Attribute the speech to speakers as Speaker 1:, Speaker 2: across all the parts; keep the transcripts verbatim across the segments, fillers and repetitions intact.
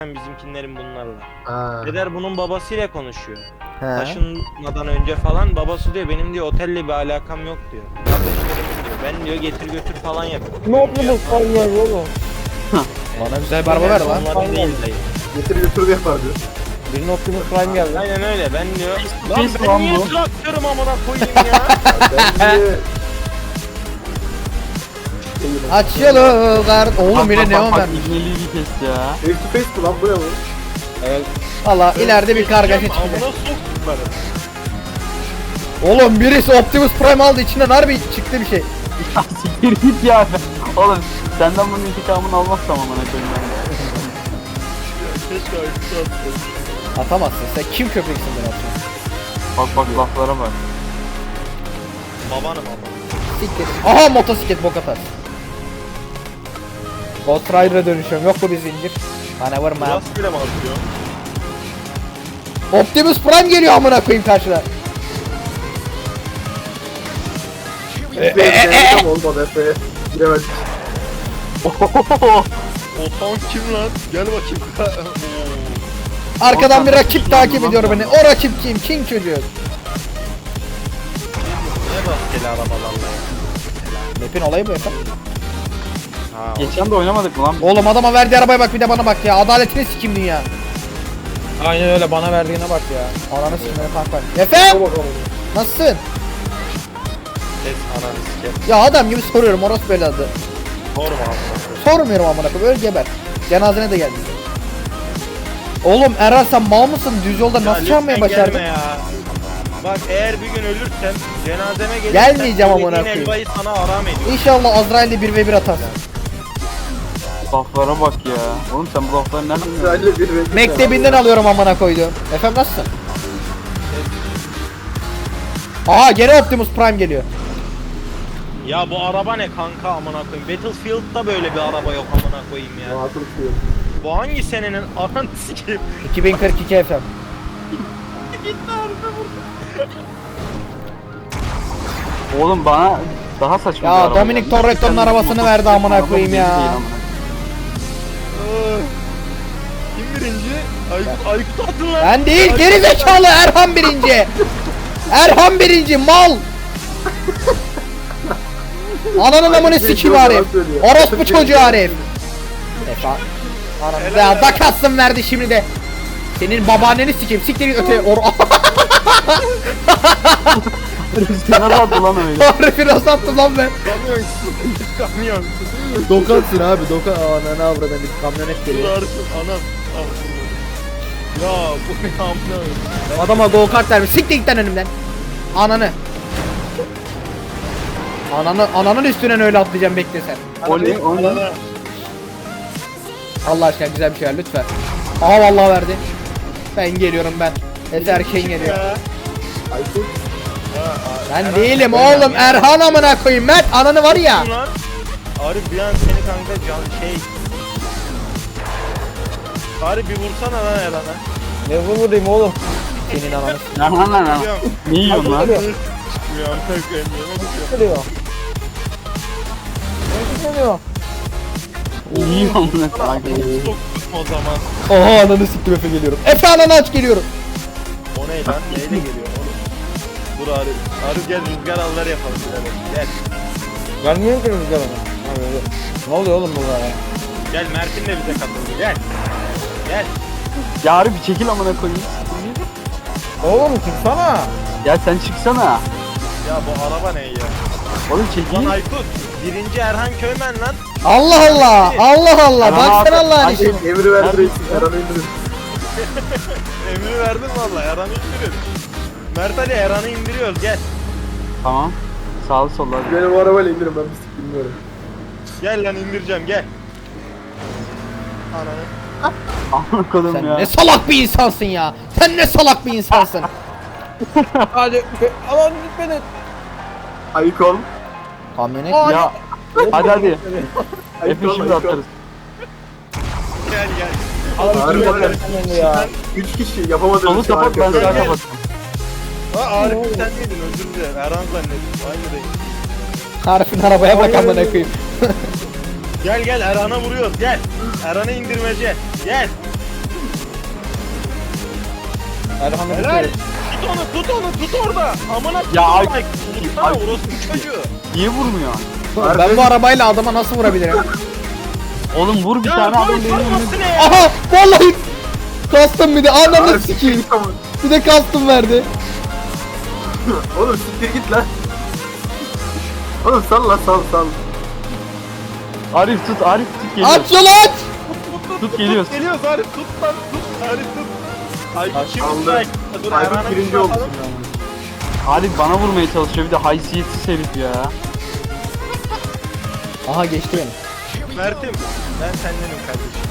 Speaker 1: bizimkinlerin bunlarla.
Speaker 2: Ha.
Speaker 1: Deder bunun babasıyla konuşuyor.
Speaker 3: He.
Speaker 1: Taşınmadan önce falan babası diyor benim diyor otelle bir alakam yok diyor. Kardeşlerim diyor ben diyor getir götür falan yapıyorum.
Speaker 4: Ne yapıyor bu kaynar oğlum?
Speaker 3: Bana güzel bir araba ver lan.
Speaker 1: Onların değil dayı.
Speaker 2: Getir götür de yapar diyor.
Speaker 4: Birinin Optimus Prime geldi.
Speaker 1: Aynen öyle ben diyor. Lan
Speaker 5: Pis
Speaker 1: ben
Speaker 5: lan
Speaker 1: niye
Speaker 5: bu.
Speaker 1: traktörüm amına koyayım ya.
Speaker 2: Ben de...
Speaker 3: Açılı gar. Oğlum yine neon vermiş.
Speaker 5: İbneliği bir kes ya.
Speaker 2: Face to face mi lan bu ne bu?
Speaker 4: Evet.
Speaker 3: Valla ileride bir kargaşa çıkacak.
Speaker 1: Amına soktukları.
Speaker 3: Oğlum birisi Optimus Prime aldı, içinden harbi çıktı bir şey.
Speaker 5: Ya siktir git ya. Oğlum senden bunun intikamını almazsam amına koyayım ben.
Speaker 1: Keşke ayıptı atıyorsun.
Speaker 3: Atamazsın, sen kim köpeksin ben atıyorsun.
Speaker 5: Bak bak laflara bak.
Speaker 1: Babanım ama.
Speaker 3: Siktir. Aha motosiklet bok atar. Ghost Rider'a dönüşüyorum, yok bu bir zincir. Bana vurma.
Speaker 1: Burası bile mi atıyor?
Speaker 3: Optimus Prime geliyor amına koyayım karşıda.
Speaker 2: Ben denedim olmadı Efe'ye. Giremedik.
Speaker 1: O tank kim lan? Gel bakayım.
Speaker 3: Arkadan bir rakip takip ediyor beni. O rakip kim? Kim çocuğu?
Speaker 1: Ne rastgele arabalarla ya?
Speaker 3: Map'in olayı bu efendim.
Speaker 1: Ha,
Speaker 5: Geçen de oynamadık mı lan?
Speaker 3: Oğlum adama verdiği arabaya bak, bir de bana bak ya. Adaletini sikim dünya.
Speaker 4: Aynen öyle, bana verdiğine bak ya.
Speaker 3: Ananı sikimleri kanka. Efendim?
Speaker 2: Bak bakalım.
Speaker 3: Nasılsın?
Speaker 1: ses ananı siker.
Speaker 3: Ya adam gibi soruyorum, orospu beladı.
Speaker 1: Sorma amına.
Speaker 3: Sormuyorum amına koyayım, öl geber. Cenazene de geldi. Oğlum Erhan sen mal mısın? Düz yolda nasıl çalmayı başardın?
Speaker 1: Ya. Bak eğer bir gün ölürsem cenazeme gelirsen
Speaker 3: Gelmeyeceğim amına
Speaker 1: yediğin
Speaker 3: koyayım.
Speaker 1: elbayı sana aram ediyor.
Speaker 3: İnşallah Azrail'de bir ve bir atarsın.
Speaker 5: Laflara bak ya. Oğlum sen bu lafları nereden biliyorsun?
Speaker 2: Güzel bir renk.
Speaker 3: Mektebinden alıyorum amına koyduğum. Efendim nasılsın? Aha gene Optimus Prime geliyor.
Speaker 1: Ya bu araba ne kanka amına koyayım. Battlefield'da böyle bir araba yok amına koyayım ya.
Speaker 2: Rahatım tutuyor.
Speaker 1: Bu hangi senenin ananı sikeyim.
Speaker 3: iki bin kırk iki efendim.
Speaker 5: Oğlum bana daha saçma
Speaker 3: Ya
Speaker 5: bir araba
Speaker 3: Dominic
Speaker 5: geldi.
Speaker 3: Toretto'nun
Speaker 5: Sen
Speaker 3: arabasını
Speaker 5: motor-
Speaker 3: verdi amına
Speaker 5: araba
Speaker 3: koyayım
Speaker 5: değil
Speaker 3: ya.
Speaker 5: amına.
Speaker 1: Kim birinci? Aykut, Aykut attın lan.
Speaker 3: Ben değil, geri zekalı Erhan birinci. Erhan birinci mal. Ananın amını sikeyim Arif. Orospu çocuğu Arif. Efendim. Ananı da bakatsın verdi şimdi de. Senin babaanneni sikeyim. Siktir git öteye. Or
Speaker 5: Rüzgara da attı lan öyle.
Speaker 3: Arif'i nasıl attım lan ben?
Speaker 1: Kamyon. Kamyon.
Speaker 3: Dokansın abi, dokan. Ananı avradan bir kamyonet
Speaker 1: Durarsın anam. Ah. Ya bu ne amına koyayım.
Speaker 3: Adama go kart vermiş. Siktir git lan önümden. Ananı. Ananı, ananın üstüne öyle atlayacağım, bekle sen.
Speaker 5: O ne? O ne?
Speaker 3: Allah aşkına güzel bir şey ver lütfen. Aha vallahi verdi. Ben geliyorum ben. Ezerken geliyor.
Speaker 1: Ya.
Speaker 2: Aykut.
Speaker 3: Ben değilim oğlum, Erhan amına koyayım. Mert ananı var ya.
Speaker 1: Lan. Arif bir an seni kanka can şey. Arif bir vursana lan Erhan'a.
Speaker 4: Ne vurayım oğlum?
Speaker 3: Senin ananı.
Speaker 5: Lan lan lan lan.
Speaker 1: Biliyorum.
Speaker 5: Ne yiyorsun lan?
Speaker 1: Çıkmıyor amına koyayım.
Speaker 4: Ne geliyor? Ne geliyor?
Speaker 5: Ne yiyorsun lan? Kanka.
Speaker 1: Soktum o zaman.
Speaker 3: Oha ananı siktim, Efe geliyorum. Efe ananı aç geliyorum.
Speaker 1: O ne lan? Neyle geliyor oğlum? Dur Arif. Arif gel rüzgar alları yapalım birader. Gel.
Speaker 4: Gelmiyor ki rüzgar ona. Ha, böyle. Ne oluyor oğlum burada ya?
Speaker 1: Gel Mert'in de bize katıldı. Gel. Gel.
Speaker 5: Ya Arif bir çekil amına koyayım.
Speaker 4: Oğlum çıksana.
Speaker 5: Ya sen çıksana.
Speaker 1: Ya bu araba ne ya?
Speaker 5: Oğlum
Speaker 1: Lan
Speaker 5: çekil.
Speaker 1: Aykut. Birinci Erhan Köymen lan.
Speaker 3: Allah Allah. Allah Allah.
Speaker 5: Erhan
Speaker 3: Baksana
Speaker 5: abi,
Speaker 3: Allah'ın
Speaker 5: hadi.
Speaker 3: işine.
Speaker 2: Emri verdi
Speaker 5: Nerede?
Speaker 2: reis. Erhan'ı indirin.
Speaker 1: Emri verdin valla. Erhan'ı indirin. Mert Ali Erhan'ı indiriyoruz. Gel.
Speaker 5: Tamam. Sağlı sollu hadi.
Speaker 2: Beni bu arabayla indirin, ben bir sik bilmiyorum.
Speaker 1: Gel lan indireceğim gel. Ananı.
Speaker 5: Amına koydum
Speaker 3: Sen
Speaker 5: ya.
Speaker 3: ne salak bir insansın ya. Sen ne salak bir insansın.
Speaker 4: Hadi. Aman gitmedi.
Speaker 2: Ayık ol.
Speaker 3: Kamyonet.
Speaker 5: Ya. Hadi hadi.
Speaker 2: Ayık
Speaker 5: Efe
Speaker 2: ol,
Speaker 5: şimdi
Speaker 2: ayık ol.
Speaker 5: atarız.
Speaker 1: Gel gel.
Speaker 2: Harbi
Speaker 4: Harbi
Speaker 2: bak.
Speaker 4: ya.
Speaker 2: Üç kişi yapamadığımız
Speaker 5: Solu
Speaker 2: şey
Speaker 5: kapat ben
Speaker 2: harika.
Speaker 5: sağ kapattım.
Speaker 1: Aa Arif sen miydin özür dilerim. Erhan zannettim. Aynı değil.
Speaker 3: Arif'in arabaya bak amına koyayım.
Speaker 1: Gel gel Erhan'a vuruyoruz gel. Erhan'ı indirmece. Gel.
Speaker 4: Erhan'ı
Speaker 1: Helal.
Speaker 4: bitir.
Speaker 1: Tut onu, tut onu, tut orada. Amına
Speaker 5: Ya ay-
Speaker 1: koyayım. Vursana
Speaker 5: ay-
Speaker 1: orospu çocuğu.
Speaker 5: Niye vurmuyor?
Speaker 3: Ben bu arabayla adama nasıl vurabilirim?
Speaker 5: Oğlum vur bir
Speaker 1: Ya
Speaker 5: tane adam
Speaker 1: dur,
Speaker 5: benim önüme.
Speaker 1: vurması ne ya?
Speaker 3: Aha vallahi kastım bir de ananı
Speaker 2: Arif
Speaker 3: sikeyim.
Speaker 2: git ama.
Speaker 3: Bir de kastım verdi.
Speaker 2: Oğlum siktir git lan. Oğlum sal lan sal sal.
Speaker 5: Arif tut, Arif tut geliyor.
Speaker 3: Aç yolu aç.
Speaker 5: Tut geliyoruz.
Speaker 1: Geliyoruz Arif tut lan tut. Arif tut. Ay kim
Speaker 2: Aldı.
Speaker 1: strike? Dur
Speaker 2: Aykut
Speaker 1: Erhan'a bir
Speaker 2: birinci
Speaker 1: şey
Speaker 2: oldu
Speaker 1: yapalım.
Speaker 2: şimdi.
Speaker 5: Arif bana vurmaya çalışıyor bir de haysiyetsiz herif ya.
Speaker 3: Aha geçti beni.
Speaker 1: Mert'im ben sendenim kardeşim.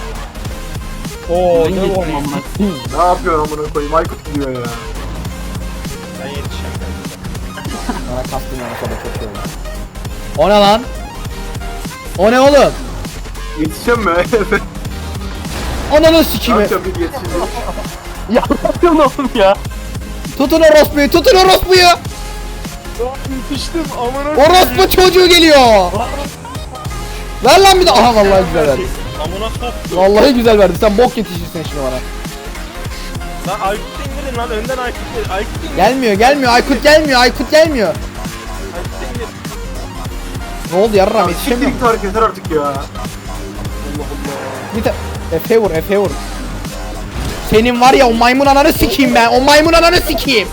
Speaker 4: Oo
Speaker 5: Ben
Speaker 4: ne
Speaker 5: geçtim
Speaker 4: bu?
Speaker 5: amına.
Speaker 2: Ne yapıyorsun amına koyayım? Aykut gidiyor ya.
Speaker 1: Ben yetişeceğim kardeşim.
Speaker 3: Bana kastım yana kadar çok şey oldu. O ne lan? O ne oğlum?
Speaker 2: Yetişeceğim mi?
Speaker 3: Ananı
Speaker 2: Ne
Speaker 3: sikimi.
Speaker 2: yapacağım bir yetişince?
Speaker 5: Ya ne yapıyorsun oğlum ya?
Speaker 3: Tutun orospuyu, tutun orospuyu.
Speaker 1: Yetiştim amına koyayım.
Speaker 3: Orospu çocuğu geliyor. Ver lan bir de. Aha vallahi güzel verdi.
Speaker 1: Amına soktu.
Speaker 3: Vallahi güzel verdi. Sen bok yetişirsin şimdi bana.
Speaker 1: Lan Aykut'u indirin lan önden Aykut'u indirin. Aykut'u indirin.
Speaker 3: Gelmiyor, gelmiyor. Aykut gelmiyor. Aykut gelmiyor.
Speaker 1: Aykut'u indirin.
Speaker 3: Ne oldu yarram
Speaker 2: Siktir
Speaker 3: yetişemiyorum.
Speaker 2: git hareket yeter artık ya.
Speaker 3: Bir de Efe vur, Efe vur. Senin var ya o maymun ananı sikeyim ben. O maymun ananı sikeyim.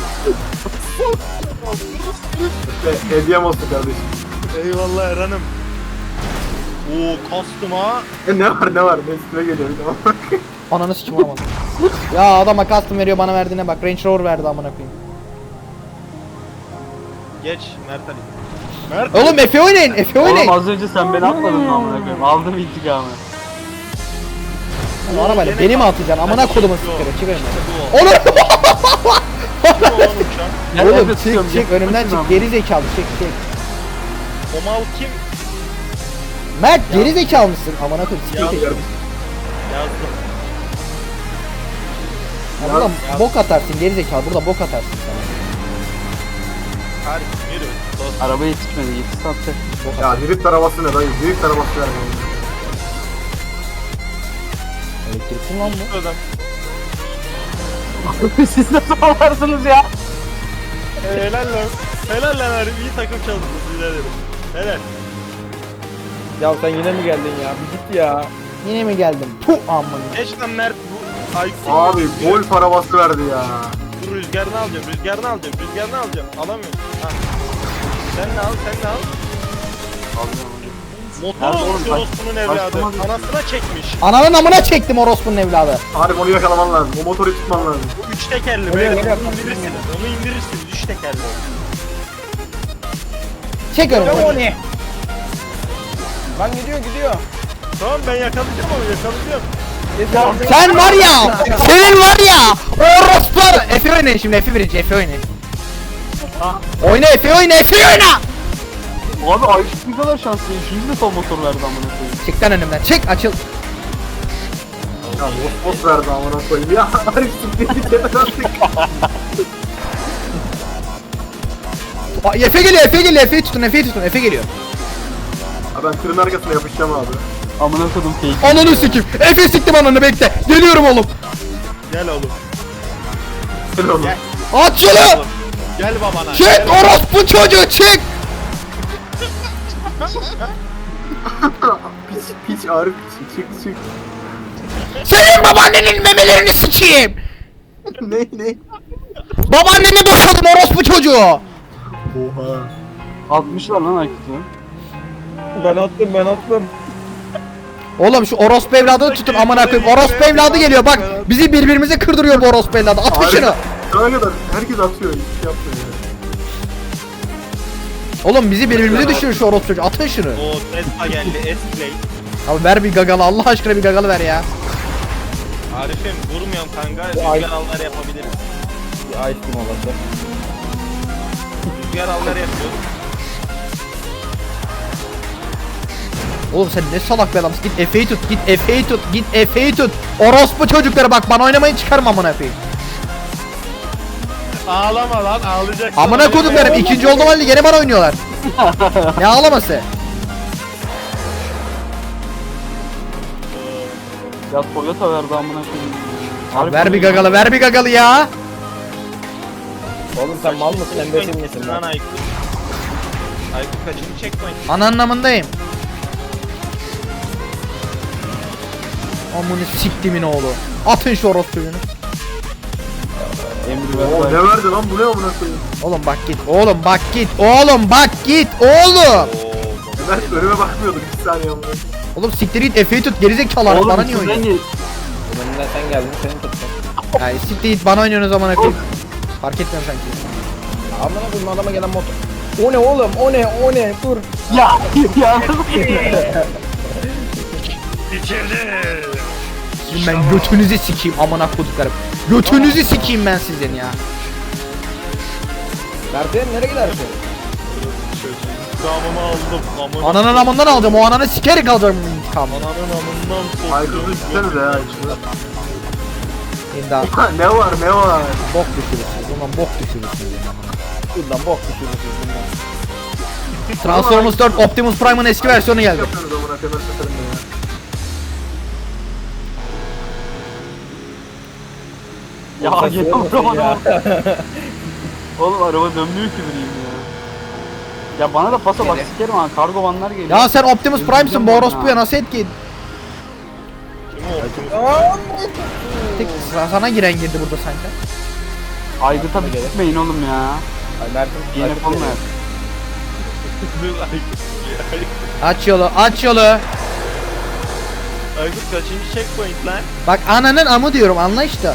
Speaker 2: E, hediyem olsun kardeşim.
Speaker 1: Eyvallah Erhan'ım. Oo kastım ha.
Speaker 2: E ne var ne var? Ben üstüme geliyor bir de.
Speaker 3: Ananı sikeyim vuramadım. Ya adama custom veriyor bana verdiğine bak. Range Rover verdi amına koyayım.
Speaker 1: Geç Mert Ali. Mert
Speaker 3: Oğlum Efe oynayın, Efe
Speaker 5: Oğlum
Speaker 3: oynayın.
Speaker 5: az önce sen beni atmadın mı amına koyayım? Aldım intikamı.
Speaker 3: O arabayla beni mi atacaksın? Amına kodumu sikere. Çık önümden.
Speaker 1: bu.
Speaker 3: Oğlum.
Speaker 1: Kim o lan uçan?
Speaker 5: Ya
Speaker 3: Oğlum
Speaker 5: evet,
Speaker 3: çık
Speaker 5: tutuyorum,
Speaker 3: çık
Speaker 5: yapma
Speaker 3: önümden
Speaker 5: şunu
Speaker 3: çık. Geri zekalı çık çık.
Speaker 1: O mal kim?
Speaker 3: Mert geri zekalı mısın? Amına koyayım sikeyim.
Speaker 1: Yazdım. Yazdım.
Speaker 3: Ya burada bok atarsın geri zekalı. Burada bok atarsın sana.
Speaker 1: Hadi yürü. Dost.
Speaker 5: Araba yetişmedi, yetişse atacak.
Speaker 2: Ya drift arabası ne dayı? Drift arabası yani.
Speaker 3: Elektriksin lan bu.
Speaker 1: Adam.
Speaker 5: Siz nasıl olarsınız ya?
Speaker 1: Helal lan. Helal lan Arif. İyi takım çalıştınız. Helal ederim. Helal.
Speaker 4: Ya sen yine mi geldin ya? Bir git ya.
Speaker 3: Yine mi geldim? Puh amına.
Speaker 1: Geç lan Mert. Bu Aykut'u
Speaker 2: Abi golf arabası verdi ya.
Speaker 1: Dur rüzgarını alacağım. Rüzgarını alacağım. Rüzgarını alacağım. Alamıyorum. Ha. Sen de al. Sen de al. Motor
Speaker 5: Nerede
Speaker 1: olmuş
Speaker 5: oğlum?
Speaker 1: orospunun evladı.
Speaker 5: Başlamadı.
Speaker 1: Anasına çekmiş.
Speaker 3: Ananın amına çektim orospunun evladı.
Speaker 2: Harbi onu yakalaman lazım. O motoru tutman lazım.
Speaker 1: Bu üç tekerli.
Speaker 4: Öyle,
Speaker 1: Böyle
Speaker 4: öyle
Speaker 1: onu
Speaker 4: yapalım.
Speaker 1: indirirsiniz. Onu indirirsiniz. Üç tekerli.
Speaker 3: Çek
Speaker 4: Ne o
Speaker 3: önümden.
Speaker 4: ne? Lan gidiyor gidiyor.
Speaker 1: Tamam ben yakalayacağım onu. Yakalayacağım.
Speaker 4: Yeter.
Speaker 3: Sen var ya, senin var ya, orospu. Efe oynayın şimdi, Efe birinci, Efe oynayın. Oyna Efe oyna, Efe oyna.
Speaker 5: Abi Aykut ne kadar şanslı. Şimdi de son motor verdi amına koyayım.
Speaker 3: Çık lan önümden, çık açıl.
Speaker 2: Ya bot bot verdi amına koyayım. Ya Arif siktir git yeter artık.
Speaker 3: Aa, Efe geliyor, Efe geliyor, Efe'yi tutun, Efe'yi tutun, Efe geliyor.
Speaker 2: Ha ben tırın arkasına yapışacağım abi.
Speaker 5: Amına koydum fake.
Speaker 3: Ananı sikeyim, Efe siktim ananı bekle. Geliyorum oğlum.
Speaker 1: Gel oğlum.
Speaker 2: Gel oğlum.
Speaker 1: Gel.
Speaker 3: Aç yolu.
Speaker 1: Gel babana.
Speaker 3: Çık orospu çocuğu çık.
Speaker 2: Piç piç Arif piç. Çık çık.
Speaker 3: Senin babaannenin memelerini sikeyim.
Speaker 2: ne ne?
Speaker 3: Babaanneni boşadım orospu çocuğu.
Speaker 2: Oha.
Speaker 5: Atmışlar lan Aykut'u.
Speaker 4: Ben attım ben attım.
Speaker 3: Oğlum şu orospu evladını tutun amına koyayım. Orospu evladı geliyor bak. Bizi birbirimize kırdırıyor bu orospu evladı. Atın
Speaker 2: Arif
Speaker 3: şunu.
Speaker 2: şu ana kadar herkes atıyor. Hiç şey yapmıyor ya.
Speaker 3: Oğlum bizi birbirimize düşürüyor şu orospu çocuğu. Atın şunu.
Speaker 1: O Tesla geldi. S-Play.
Speaker 3: Abi ver bir gagalı Allah aşkına bir gagalı ver ya.
Speaker 1: Arif'im vurmuyorum kanka.
Speaker 4: Bu ay-
Speaker 1: Rüzgar alları yapabiliriz.
Speaker 4: Bir ice cream olası.
Speaker 1: Rüzgar alları yapıyoruz.
Speaker 3: Oğlum sen ne salak bir adamsın. Git Efe'yi tut. Git Efe'yi tut. Git Efe'yi tut. Orospu çocukları bak bana oynamayın çıkarma amına koyayım.
Speaker 1: Ağlama lan ağlayacaksın.
Speaker 3: Amına koduklarım ikinci oldum halde gene bana oynuyorlar. Ne ağlaması?
Speaker 5: Ya Toyota verdi amına koyayım.
Speaker 3: Abi ver bir gagalı, ver bir gagalı ya.
Speaker 4: Oğlum sen mal mısın embesil misin
Speaker 1: Lan
Speaker 4: lan?
Speaker 1: Aykut. Aykut kaçıncı checkpoint?
Speaker 3: Ana anlamındayım. Amını siktimin oğlu. Atın şu orospuyunu.
Speaker 4: Emri
Speaker 2: Oo,
Speaker 4: ver.
Speaker 2: ne verdi lan bu ne amına koyayım?
Speaker 3: Oğlum bak git. Oğlum bak git. Oğlum bak git. Oğlum.
Speaker 1: Oo.
Speaker 2: Ben önüme bakmıyordum bir saniye amına.
Speaker 3: Oğlum siktir git. Efe'yi tut. Gerizekalı
Speaker 5: Oğlum
Speaker 3: bana niye
Speaker 5: siz
Speaker 3: oynuyorsun?
Speaker 5: beni-
Speaker 4: Önümden sen geldin seni tuttum.
Speaker 3: Yani siktir git. Bana oynuyorsunuz zaman koyayım. Fark etmiyorum sanki.
Speaker 4: Amına koyayım adama gelen motor. O ne oğlum o ne o ne dur.
Speaker 5: Ya ya.
Speaker 3: Sizin ben götünüzü sikeyim amına koduklarım. Götünüzü sikeyim ben sizin ya.
Speaker 4: Berfiyen nereye gidersin?
Speaker 1: İntikamımı aldım. Amına.
Speaker 3: Ananın amından alacağım. O ananı sikerek alacağım bu intikamı.
Speaker 1: Ananın amından soktum.
Speaker 2: Aykut'u istenize ya şunu.
Speaker 3: İmdat.
Speaker 2: Ne var ne var?
Speaker 3: Bok düşürürsünüz. Ulan bok düşürürsünüz.
Speaker 4: Buradan bok düşürürsün bundan.
Speaker 3: Transformers dört Optimus Prime'ın eski versiyonu geldi.
Speaker 2: Yapıyoruz amına koyayım ben satarım ya.
Speaker 5: Ya
Speaker 4: Oğlum,
Speaker 5: gel
Speaker 4: saçmalama
Speaker 5: oğlum
Speaker 4: ya.
Speaker 5: Oğlum araba dönmüyor ki bileyim ya. Ya bana da pasa bak sikerim ha kargo vanlar geliyor.
Speaker 3: Ya sen Optimus Prime'sın bu orospuya nasıl etki?
Speaker 1: Kim o?
Speaker 3: Tek sıra sana giren girdi burada sanki.
Speaker 5: Aygıt'a bir gitmeyin oğlum ya.
Speaker 4: Ay Mert'im.
Speaker 5: Yine
Speaker 4: Aykut
Speaker 5: olmuyor.
Speaker 4: geliyor.
Speaker 1: Dur Aykut.
Speaker 3: Aç yolu, aç yolu.
Speaker 1: Aykut kaçıncı checkpoint lan?
Speaker 3: Bak ananın amı diyorum anla işte.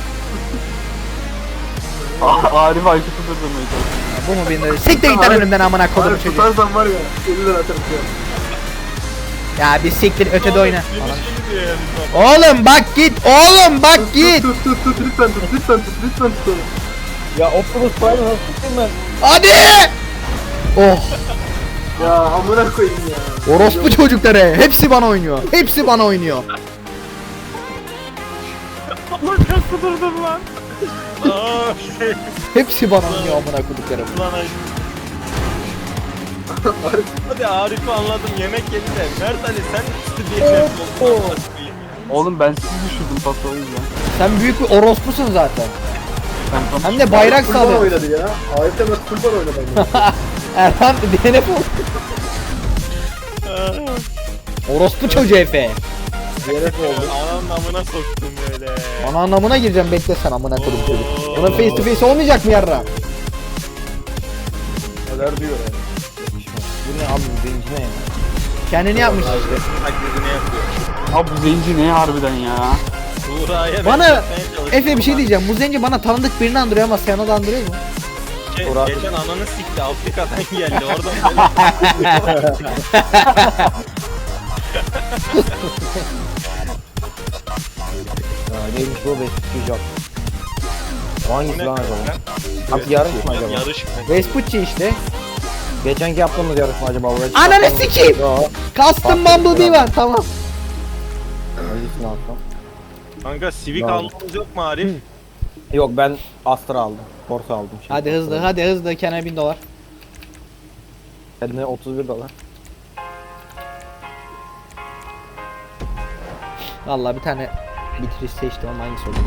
Speaker 5: Arif Aykut'u durdurmaya çalışıyor.
Speaker 3: Bu mu benim de? Siktir git lan önümden amına kodum
Speaker 2: Abi
Speaker 3: çocuğu.
Speaker 2: tutarsan var ya elli lira atarım ya.
Speaker 3: Ya bir siktir ötede oyna.
Speaker 1: Beni şey diyor ya bizim
Speaker 3: Oğlum bak git, oğlum bak git.
Speaker 2: Tut tut tut lütfen tut lütfen tut lütfen tut onu.
Speaker 4: Ya Optimus Prime'ı nasıl tutayım ben?
Speaker 3: Hadi. Oh,
Speaker 2: Ya amına koyayım ya.
Speaker 3: orospu çocukları. Hepsi bana oynuyor. Hepsi bana oynuyor.
Speaker 1: Allah nasıl durdun lan? Aa,
Speaker 3: Hepsi bana oynuyor amına koduklarım.
Speaker 1: Lan Aykut. Hadi Arif'i anladım yemek yedi de Mert Ali sen diye nefret oldun.
Speaker 5: Oğlum ben sizi düşürdüm pası o yüzden.
Speaker 3: Sen büyük bir orospusun zaten.
Speaker 5: Ben tam
Speaker 3: Hem de bayrak
Speaker 2: Kurban
Speaker 3: sallıyor.
Speaker 2: oynadı ya. Harika nasıl kurban oynadı ama.
Speaker 3: Erhan D N F oldu. Orospu çocuğu Efe.
Speaker 4: Diyerek oldu.
Speaker 1: Ananın amına soktum böyle.
Speaker 3: Ana anlamına gireceğim bekle sen amına kodum çocuk. Buna face to face olmayacak mı yarra?
Speaker 4: Neler diyor ya. Yakışmaz. Bu ne abi zenci ne ya?
Speaker 3: Kendini yapmış işte.
Speaker 1: Taklidini yapıyor.
Speaker 5: Abi bu zenci ne harbiden ya.
Speaker 1: Buğra'ya
Speaker 3: Bana
Speaker 1: benzetmeye çalıştım
Speaker 3: Efe bir şey
Speaker 1: ama
Speaker 3: diyeceğim. Bu zenci bana tanıdık birini andırıyor ama sana da andırıyor mu?
Speaker 1: Ge-
Speaker 4: Buğra-
Speaker 1: geçen ananı sikti Afrika'dan geldi oradan böyle.
Speaker 4: Ha neymiş bu beş tutacak.
Speaker 1: Bu
Speaker 4: Hangisi
Speaker 1: ne
Speaker 4: lan
Speaker 1: kanka?
Speaker 4: acaba? Abi yarış mı acaba?
Speaker 1: Yarış mı?
Speaker 3: Vespucci işte.
Speaker 4: Geçenki yaptığımız yarış mı acaba? Buraya
Speaker 3: Ananı
Speaker 4: çıkartalım.
Speaker 3: sikeyim.
Speaker 4: Yo.
Speaker 3: Custom Bumblebee var tamam.
Speaker 4: Hangisini alsam?
Speaker 1: Kanka Civic
Speaker 4: Bravo.
Speaker 1: almamız yok mu Arif?
Speaker 4: Yok ben Astra aldım. Corsa aldım şimdi.
Speaker 3: Hadi hızlı hadi hızlı kenara bin dolar.
Speaker 4: Kendine otuz bir dolar.
Speaker 3: Vallahi bir tane bitiriş seçtim ama hangisi oldu?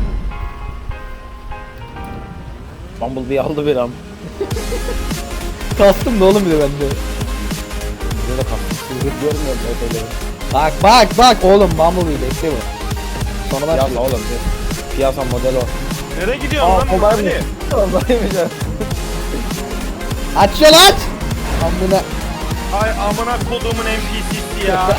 Speaker 4: Bumblebee aldı bir am.
Speaker 3: Kastım da oğlum bir de bende.
Speaker 4: Bize de kalktı. Siz görmüyorum öteleri.
Speaker 3: Bak bak bak oğlum Bumblebee bekle bu. Sonra
Speaker 4: Piyasa
Speaker 3: başlıyor.
Speaker 4: oğlum. Piyasa model o.
Speaker 1: Nereye gidiyorsun
Speaker 4: Aa
Speaker 1: lan?
Speaker 4: kolay mı?
Speaker 1: Hadi.
Speaker 4: Kolaymış ya.
Speaker 3: Aç yol aç. Amına
Speaker 1: Ay amına kodumun N P C'si ya.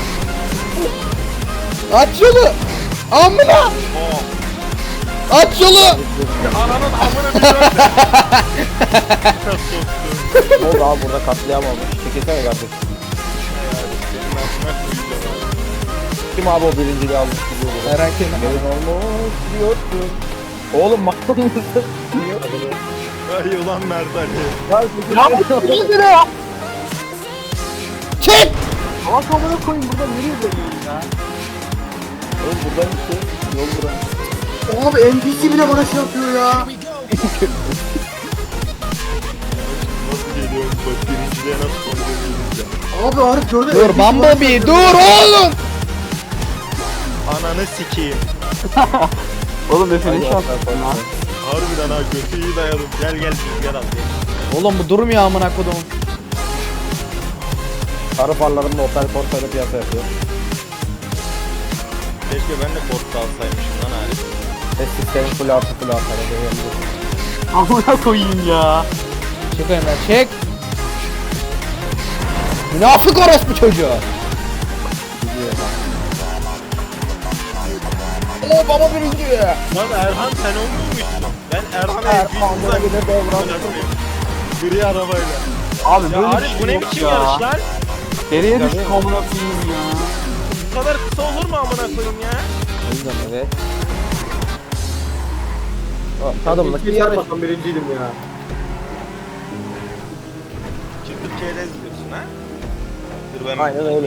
Speaker 3: aç yolu. Amına
Speaker 1: Oh.
Speaker 3: aç yolu.
Speaker 1: Ananın amına bir döndü. Soktum.
Speaker 4: Ne oldu abi burada katliam olmuş. Çekilsene kardeşim.
Speaker 1: Senin amına koyacağım.
Speaker 4: Kim abi o birinciliği almış gidiyor burada.
Speaker 3: Merak etme.
Speaker 4: Gelin olmuş diyorsun. Oğlum makul mısın?
Speaker 1: Ay ulan Mert Ali.
Speaker 4: Ya
Speaker 3: Çek.
Speaker 5: Bak amına koyayım burada nereye dönüyorsun ya?
Speaker 4: Oğlum buradan işte yol buran.
Speaker 2: Abi N P C bile bana şey yapıyor ya.
Speaker 1: Nasıl geliyorum bak birinciliğe nasıl konuşuyoruz ya.
Speaker 2: Abi Arif gördün
Speaker 3: Dur Bumblebee dur oğlum.
Speaker 1: Ananı sikeyim.
Speaker 5: Oğlum Efe ne şartlar lan?
Speaker 1: Harbiden ha götü iyi dayadım. Gel gel rüzgar al.
Speaker 3: Oğlum bu durmuyor amına kodum.
Speaker 4: Sarı farlarımla Opel Corsa'yla piyasa yapıyor.
Speaker 1: Keşke ben de korku alsaymışım lan Arif.
Speaker 4: Ses sistemi full artı full artı.
Speaker 5: Amına koyayım ya.
Speaker 3: Çık önümden çek. Münafık orospu çocuğu.
Speaker 4: Oo baba birinci.
Speaker 1: Lan Erhan sen olmuyormuşsun. Ben Erhan'a
Speaker 4: Erhan
Speaker 1: bir uzak.
Speaker 4: bir de devran.
Speaker 1: Gri arabayla.
Speaker 5: Abi
Speaker 1: Ya
Speaker 5: böyle bir
Speaker 1: Arif bu
Speaker 5: şey
Speaker 1: ne
Speaker 5: yok
Speaker 1: biçim
Speaker 5: ya.
Speaker 1: yarış lan?
Speaker 5: Geriye düştüm amına koyayım ya.
Speaker 1: Bu kadar kısa olur mu amına koyayım ya?
Speaker 4: Evet. Tadımlık bir
Speaker 2: İki
Speaker 4: yarış.
Speaker 2: çarpmasam birinciydim ya.
Speaker 1: Çıkıp çerez diyorsun ha? Dur ben
Speaker 4: Aynen öyle.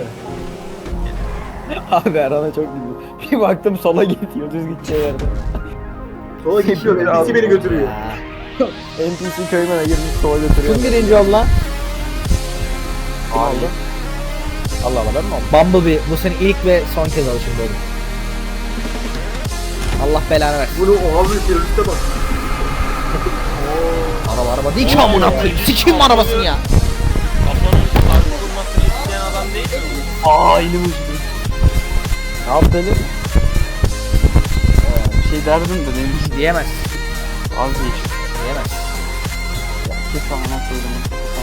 Speaker 4: Abi Erhan'a çok güldüm. Bir baktım sola gidiyor düz gideceği yerde.
Speaker 2: Sola geçiyor. N P C beni götürüyor.
Speaker 4: N P C köymene girmiş sola götürüyor. Kim birinci oldu lan? Kim oldu? Allah Allah ben mi oldum?
Speaker 3: Bumblebee bu senin ilk ve son kez alışın oğlum. Allah belanı versin.
Speaker 2: Bunu oha bir teröriste bak.
Speaker 3: Araba araba değil ki amına koyayım. Sikeyim mi arabasını ya?
Speaker 1: kafanın farklı bulmasını isteyen adam değil mi?
Speaker 5: Aa elim uçtu.
Speaker 4: Ne yaptı Elif?
Speaker 5: Bir şey derdim de neymiş?
Speaker 3: Diyemez.
Speaker 5: Az geç.
Speaker 3: Diyemez.
Speaker 5: Kes amına koydum.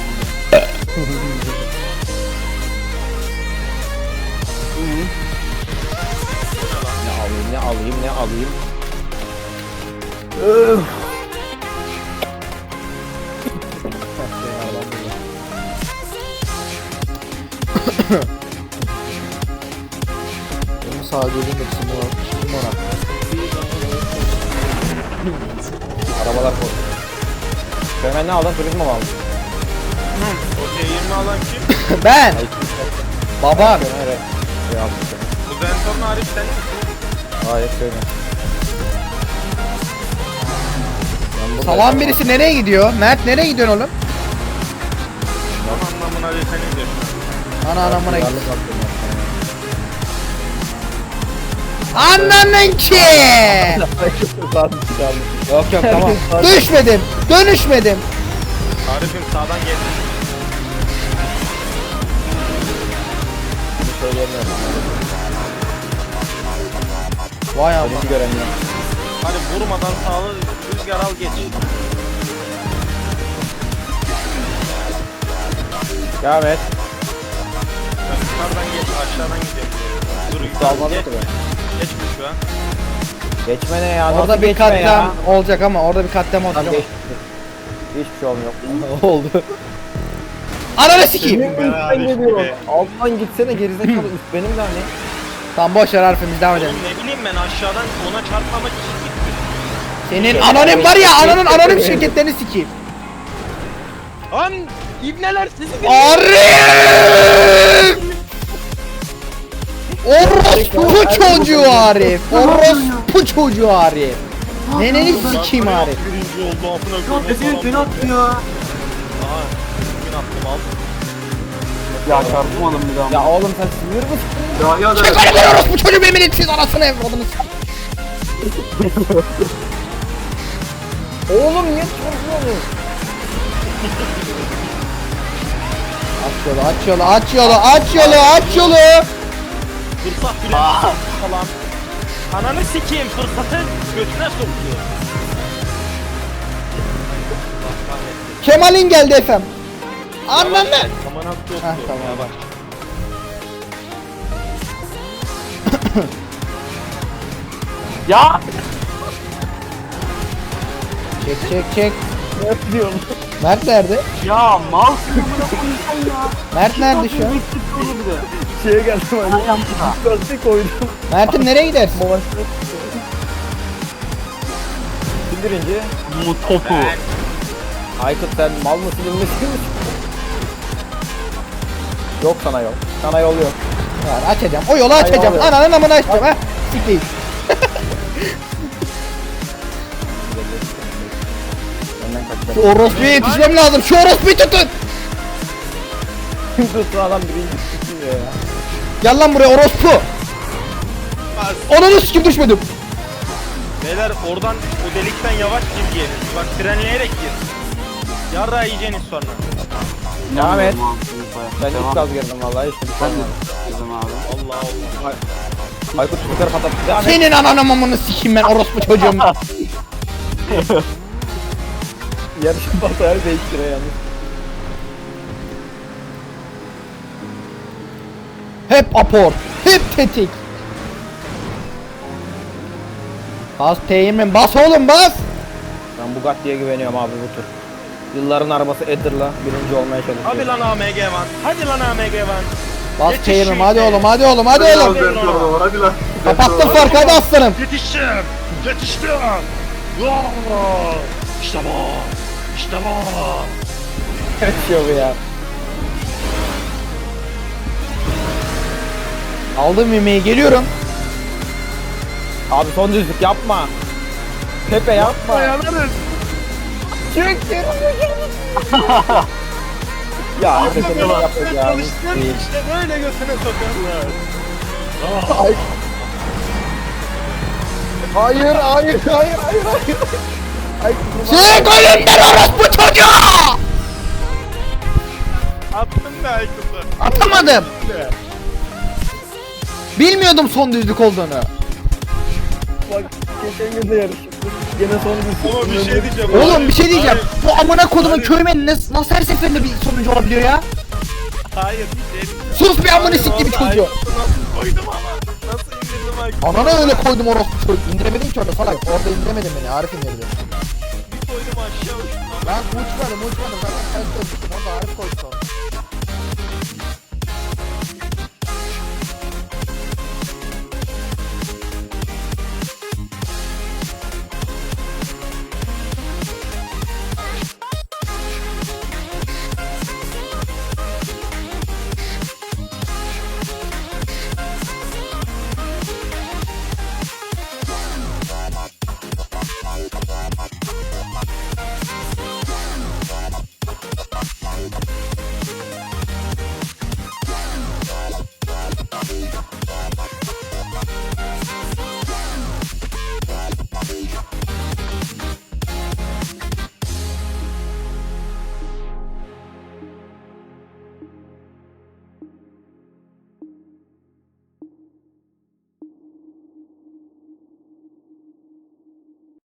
Speaker 4: Ne alayım ne alayım ne alayım.
Speaker 3: Benim sağ gözüm de şimdi var. Şimdi ona.
Speaker 4: Arabalar koy. Köymen ne aldın? Turizmo mu aldın?
Speaker 1: O T yirmi alan kim?
Speaker 3: Ben. Babam.
Speaker 4: Evet. Şey aldım.
Speaker 1: Bu Zentor'un Arif sen misin?
Speaker 4: Hayır köymen.
Speaker 3: Salan birisi nereye gidiyor? Mert nereye gidiyorsun oğlum?
Speaker 1: Tam anlamına bir sen diyorsun.
Speaker 3: Ana anamına git.
Speaker 4: Yarlık attım
Speaker 3: Ananın ki.
Speaker 4: ya.
Speaker 3: Yok yok tamam. Düşmedim. Dönüşmedim.
Speaker 1: Arif'im sağdan geldi.
Speaker 4: Söyleyemiyorum.
Speaker 3: Vay amma.
Speaker 4: Hiç göremiyorum.
Speaker 1: Hadi vurmadan sağlı rüzgar al geç.
Speaker 4: Devam et.
Speaker 1: Ben yukarıdan geç aşağıdan gidiyorum. Dur
Speaker 4: Hiç
Speaker 1: yukarı
Speaker 4: almadı
Speaker 1: geç.
Speaker 4: ki ben.
Speaker 1: Geçme şu an.
Speaker 4: Geçme ne ya?
Speaker 3: Orada
Speaker 4: Nasıl
Speaker 3: bir
Speaker 4: geçme
Speaker 3: katliam
Speaker 4: ya?
Speaker 3: olacak ama orada bir katliam
Speaker 4: Tamam
Speaker 3: olacak.
Speaker 4: geçti. Hiçbir şey olmuyor. Oldu.
Speaker 3: Ananı sikeyim.
Speaker 1: Ben Arif gibi.
Speaker 4: Alttan gitsene gerizekalı üst benim de hani.
Speaker 3: Tamam boş ver Arif'im biz devam edelim.
Speaker 1: Oğlum ne bileyim ben aşağıdan ona çarpmamak için gittim.
Speaker 3: Senin anonim var ya ananın anonim şirketlerini sikeyim.
Speaker 1: Lan ibneler sizi
Speaker 3: Arif! Orospu çocuğu Arif. Orospu çocuğu Arif. Neneni sikeyim Arif.
Speaker 1: Birinci oldu amına
Speaker 2: Yok
Speaker 1: koyayım.
Speaker 2: Efe'nin beni attı ya.
Speaker 1: Aha. Bugün attım al.
Speaker 5: Ya çarpmadım bir daha.
Speaker 4: Ya oğlum sen sinir misin?
Speaker 2: Dahi adam.
Speaker 3: Çık önümden orospu çocuğu benim siz anasını evladını sikeyim.
Speaker 4: Oğlum niye çarpıyorsun?
Speaker 3: Aç yolu aç yolu aç yolu aç yolu aç yolu.
Speaker 1: Fırsat birinci falan. Ananı sikeyim fırsatı götüne sokuyor.
Speaker 3: Kemal'in geldi efem. Anladın mı?
Speaker 1: Aman attı
Speaker 3: Heh, tamam.
Speaker 1: Yavaş.
Speaker 5: Ya!
Speaker 3: Çek çek çek.
Speaker 4: Ne yapıyorsun?
Speaker 3: Mert nerede?
Speaker 5: Ya mal sıkı amına koyayım ya.
Speaker 3: Mert nerede şu an?
Speaker 5: Olur bir de.
Speaker 4: Şeye geldim hani.
Speaker 5: Ayağım burada.
Speaker 4: Lastik koydum.
Speaker 3: Mert'im nereye gidersin?
Speaker 4: Mavaşlık. Kim birinci?
Speaker 5: Bu topu.
Speaker 4: Aykut sen mal mısın bilmesin misin? Yok sana yol. Sana yol yok.
Speaker 3: Var açacağım. O yolu açacağım.
Speaker 4: Hayır,
Speaker 3: Ananın amını açacağım ha. Sikeyim.
Speaker 4: Önden kaç.
Speaker 3: Şu orospuya yetişmem lazım. Şu orospuyu tutun.
Speaker 4: Kim tuttu adam birinci tutuyor ya.
Speaker 3: Gel lan buraya orospu. Ananı sikim düşmedim.
Speaker 1: Beyler oradan o delikten yavaş gir gelin. Bak frenleyerek gir. Yarra yiyeceğiniz sonra.
Speaker 4: Devam et.
Speaker 5: İnanmıyorum abi.
Speaker 4: Ben
Speaker 5: Devam.
Speaker 4: ilk gaz girdim vallahi hiç bir şey
Speaker 5: Ben de
Speaker 4: olmadı.
Speaker 5: girdim abi.
Speaker 1: Allah Allah.
Speaker 4: Aykut bu tarafa patlattı. Devam et.
Speaker 3: Senin ananı mamını sikeyim ben orospu çocuğum.
Speaker 4: Yarışın batarya değiştiriyor yalnız.
Speaker 3: Hep apor. Hep tetik. Bas teğmen bas oğlum bas.
Speaker 4: Ben Bugatti'ye güveniyorum abi bu tur. Yılların arabası Edder'la birinci olmaya çalışıyor.
Speaker 1: Hadi lan A M G Van. Hadi lan A M G Van.
Speaker 3: Bas
Speaker 1: Yetiş
Speaker 3: teğmen
Speaker 1: şu
Speaker 3: hadi
Speaker 1: ite.
Speaker 3: oğlum hadi oğlum hadi
Speaker 2: Hadi
Speaker 3: oğlum.
Speaker 2: lan, dört orada var, hadi lan.
Speaker 3: Kapattım farkı hadi aslanım.
Speaker 1: Yetiştim. Yetiştim. İşte bu. İşte bu.
Speaker 4: Yaşıyor bu ya.
Speaker 3: Aldım yemeği geliyorum.
Speaker 4: Abi son düzlük yapma. Pepe yapma.
Speaker 1: Dayanırız.
Speaker 4: Çık geri. Ya evet ne yapıyor ya.
Speaker 1: Çalıştın işte böyle götüne sokuyorlar.
Speaker 4: Ay. Hayır hayır hayır hayır hayır. Ay,
Speaker 3: Çık önümden orospu çocuğu.
Speaker 1: Attın be Aykut'u.
Speaker 3: Atamadım. Bilmiyordum son düzlük olduğunu.
Speaker 4: bak geçen gün de yarıştık. Gene son düzlük.
Speaker 1: Ama bir şey diyeceğim.
Speaker 3: Oğlum bir şey diyeceğim.
Speaker 1: Hayır,
Speaker 3: Bu amına kodumun
Speaker 1: Hayır.
Speaker 3: köymeni nasıl, nasıl her seferinde bir sonuncu olabiliyor ya?
Speaker 1: Hayır bir şey diyeceğim.
Speaker 3: Sus bir amına
Speaker 1: Hayır,
Speaker 3: sikti bir
Speaker 1: orada
Speaker 3: çocuğu.
Speaker 1: Aykut'u nasıl koydum ama. Nasıl indirdim Aykut'u?
Speaker 3: Anana öyle koydum orospu çocuğu. İndiremedin ki orada salak. Orada indiremedin beni. Arif indirdi.
Speaker 1: Bir koydum aşağı uçtum.
Speaker 3: Ben uçmadım uçmadım. Zaten ters koydum. Orada Arif koydu sonra.